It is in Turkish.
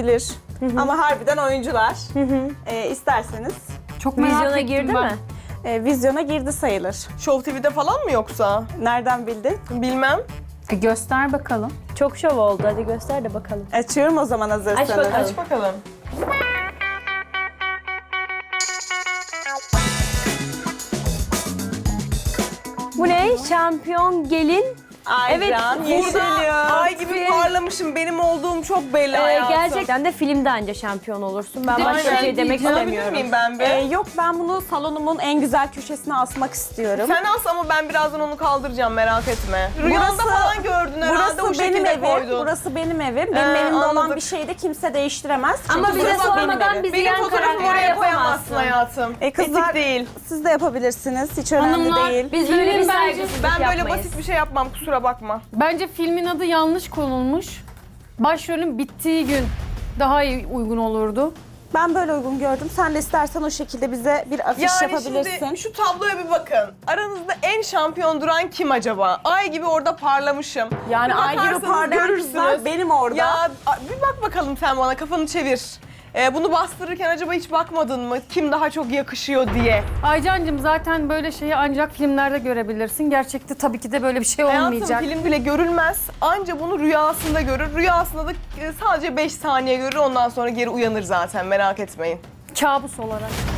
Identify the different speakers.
Speaker 1: olabilir. Ama harbiden oyuncular. İsterseniz
Speaker 2: Çok merak
Speaker 3: Vizyona
Speaker 2: ettim
Speaker 3: girdi
Speaker 2: ben.
Speaker 3: mi?
Speaker 1: vizyona girdi sayılır.
Speaker 4: Show TV'de falan mı yoksa?
Speaker 1: Nereden bildin?
Speaker 4: Bilmem.
Speaker 2: Göster bakalım.
Speaker 3: Çok şov oldu. Hadi göster de bakalım.
Speaker 1: Açıyorum o zaman hazırsanız.
Speaker 3: Aç bakalım.
Speaker 4: Aç bakalım.
Speaker 3: Bu ne? Şampiyon gelin.
Speaker 1: Aycan,
Speaker 3: Evet,
Speaker 1: Yeşilyurt.
Speaker 4: Ay gibi parlamışım. Benim olduğum çok belli hayatım.
Speaker 3: Gerçekten de filmde anca şampiyon olursun. Ben başka bir
Speaker 4: Aynen.
Speaker 3: şey demek
Speaker 4: Alabilir
Speaker 3: istemiyorum.
Speaker 4: miyim ben bir?
Speaker 1: Yok ben bunu salonumun en güzel köşesine asmak istiyorum.
Speaker 4: Sen as ama ben birazdan onu kaldıracağım, merak etme. Rüyanda falan gördün herhalde, o
Speaker 1: Burası benim
Speaker 4: şekilde
Speaker 1: evim.
Speaker 4: koydun.
Speaker 1: Burası benim evim. Benim evimde olan
Speaker 4: anladık.
Speaker 1: bir şeyi de kimse değiştiremez.
Speaker 3: Ama
Speaker 1: Çünkü
Speaker 3: bize
Speaker 1: burası benim
Speaker 3: sormadan
Speaker 1: evim.
Speaker 3: bizi
Speaker 4: Benim
Speaker 3: yan
Speaker 4: fotoğrafımı
Speaker 3: karakter
Speaker 4: oraya koyamazsın
Speaker 3: yapamazsın.
Speaker 4: hayatım.
Speaker 1: Kızlar,
Speaker 4: Etik değil.
Speaker 1: siz de yapabilirsiniz. Hiç önemli
Speaker 2: Hanımlar,
Speaker 1: değil.
Speaker 3: Biz böyle bir
Speaker 2: Filmin bence-
Speaker 3: saygısızlık
Speaker 4: Ben böyle
Speaker 3: yapmayız.
Speaker 4: basit bir şey yapmam, kusura bakma.
Speaker 2: Bence filmin adı yanlış konulmuş. Başrolün bittiği gün daha iyi uygun olurdu.
Speaker 1: Ben böyle uygun gördüm. Sen de istersen o şekilde bize bir afiş
Speaker 4: Yani
Speaker 1: yapabilirsin.
Speaker 4: şimdi şu tabloya bir bakın. Aranızda en şampiyon duran kim acaba? Ay gibi orada parlamışım.
Speaker 1: Yani
Speaker 4: Bir
Speaker 1: ay gibi
Speaker 4: bakarsanız
Speaker 1: parlayan kızlar benim orada.
Speaker 4: Ya bir bak bakalım sen bana, kafanı çevir. Bunu bastırırken acaba hiç bakmadın mı? Kim daha çok yakışıyor diye.
Speaker 2: Aycancığım zaten böyle şeyi ancak filmlerde görebilirsin. Gerçekte tabii ki de böyle bir şey olmayacak.
Speaker 4: Hayatım film bile görülmez. Anca bunu rüyasında görür. Rüyasında da sadece 5 saniye görür. Ondan sonra geri uyanır zaten, merak etmeyin.
Speaker 2: Kabus olarak.